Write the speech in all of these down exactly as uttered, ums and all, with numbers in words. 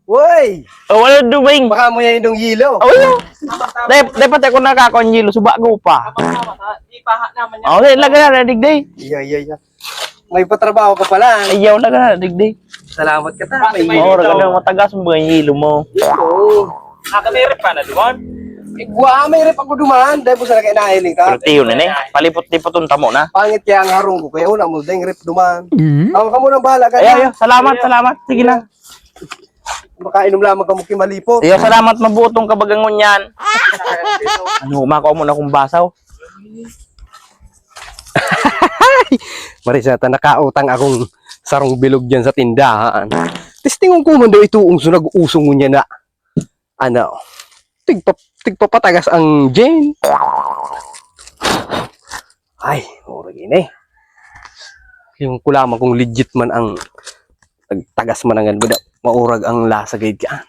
Woy! Oh, wala duming. Baka mo yan yung hilo. Oh, yun. Dep, dapat ako nakakonyilo, suba ko pa. Di paha naman yan. Oh, okay, laga na, digday. Iya, iya, iya. May patrabaho ka pala. Ayaw laga na, digday. Salamat ka ta. May Oo, raga na, matagas mo ba yung hilo mo? Oo. Nakamirip ka na doon. Igwa, may rep ako dumaan. Dahil po sa laki nahiling ka. Pero tiyo na eh. Palipot-lipot ang tamo na. Pangit kaya ang harong ko. Kaya una mo, dahil rep dumaan. Ako ka muna bahala ka Ayaw, na. ayaw. Salamat, salamat. Sige lang. Makainom lamang ka mo kimalipot. Ayaw, salamat mabutong kabagangon yan. Ano, umakaw mo na kung basaw. Marisata, nakautang akong sarong bilog dyan sa tindahan. Testingon ko man daw ituong so nag-usong niya na. Ano? Tigpa, tigpapatagas ang Jane. Ay, mura gini. Yung kulaman kung legit man ang tagas man ang ganun. Maurag ang lasa gayud ka.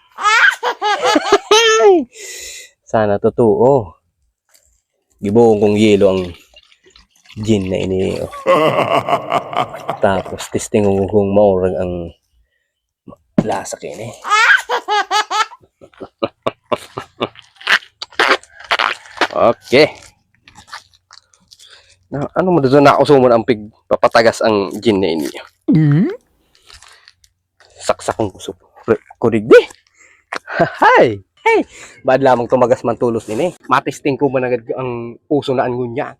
Sana totoo. Gibuong kong yelo ang gin na ini. Oh. Tapos testing ko kung maurag ang lasa kini. Okay. Na, ano mo doon na usumon ang pig papatagas ang gin na ini. Mm? Saksak kong kusog. Kurig di. Hay. Hey. Bad lamang tumagas man tulos ini. Matisting ko man agad ang puso na angunya.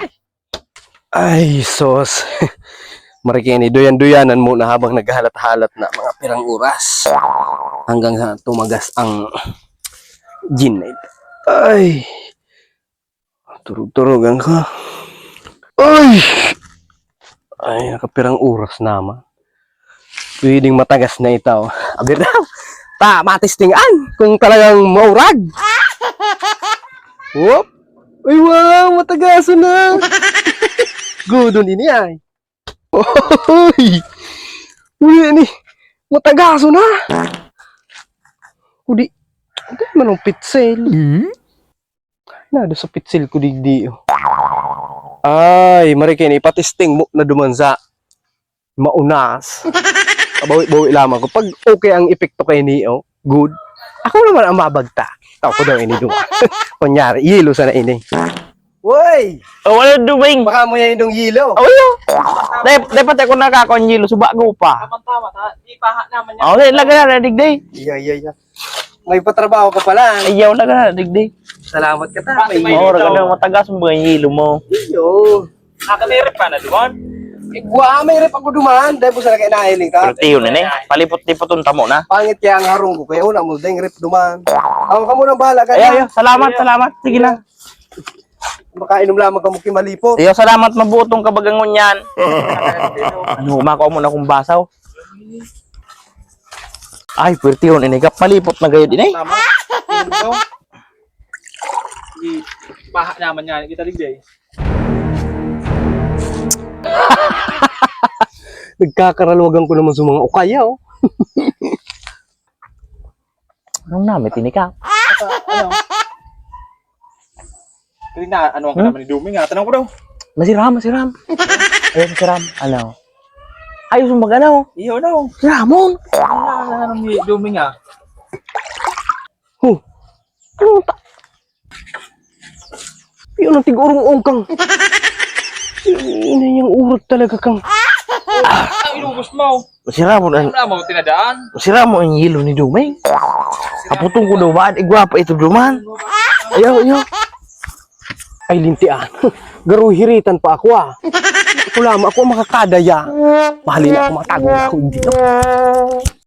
Ay, sos. Marikini, duyan-duyanan muna habang naghahalat-halat na mga pirang oras. Hanggang sa tumagas ang gin na ito. Ay. Turug-turugan ka. Ay. Ay, nakapirang oras naman. Pwedeng matagas na ito. Abir daw. Ta, matistingan kung talagang maurag. Whoop. Ay, wow, matagaso na. Gudon ini ay. Oy. Uy, ini. Matagaso na. Kudi. Ito manong pitsel. Hmm? Nado sa pitsel ko digdi. Ay, marikini ipatisting mo na duman sa maunas. Bawi-bawi lamang ko. Pag okay ang epekto kay Neo, good. Ako naman ang mabagta. Tao ko daw ini duman. Kunyari, yelo sana ini. Woy! Oh, wala duming. Baka mo yan yung hilo. Oh, yun. Dep, dapat ako nakakonyilo, suba ko pa. Tama-tama. Di paha naman yan. Oh, okay, laga na, digday. Iya, iya, iya. May patrabaho ka pala. Ayaw laga na, digday. Salamat ka ta. May Oo, oh, raga na, matagas mo ba yung hilo mo? Iyo. Nakamirip ka na doon. Igwa, may rep ako dumaan. Dahil po sa laki nahiling ka. Pero tiyo na eh. Palipot-lipot ang tamo na. Pangit kaya ang harong ko. Kaya una mo, dahil rep dumaan. Ako ka muna bahala ka Ayaw, ayaw. na. Salamat, salamat. Sige lang. Makainom lamang ka mo kimalipot. Ayaw, salamat mabutong kabagangon yan. Ano, umakaw mo na kung basaw. Ay, pwerte yun. Inigap, malipot na gayo din eh. Tama. Di paha naman yan. Kita digday. Nagkakaralwagan ko naman sa mga ukaya, oh. Anong namin, tinika? Ano? Kasi na, ano ang kanaman ni Duming ha? Tanong ko daw. Masiram, masiram. Ayun, masiram. Ano? Ayos mo mag-ano? Iyo daw. Si Ramon. Ano ano ni Duming ha? Huh. Ano ta? Yun ang tig-urong-ong kang. Ina yung urot talaga kang. Ang inubos mo. Si Ramon, Ano na mo tinadaan? si Ramon ang yelo ni Dumeng. Kaputong ko daw ba? Igwapa ito duman. Ayaw, ayaw. Ay, lintian. Garuhiritan pa ako, ah. Ako lamang, ako ang makakadaya. Mahalin ako, matago ako dito.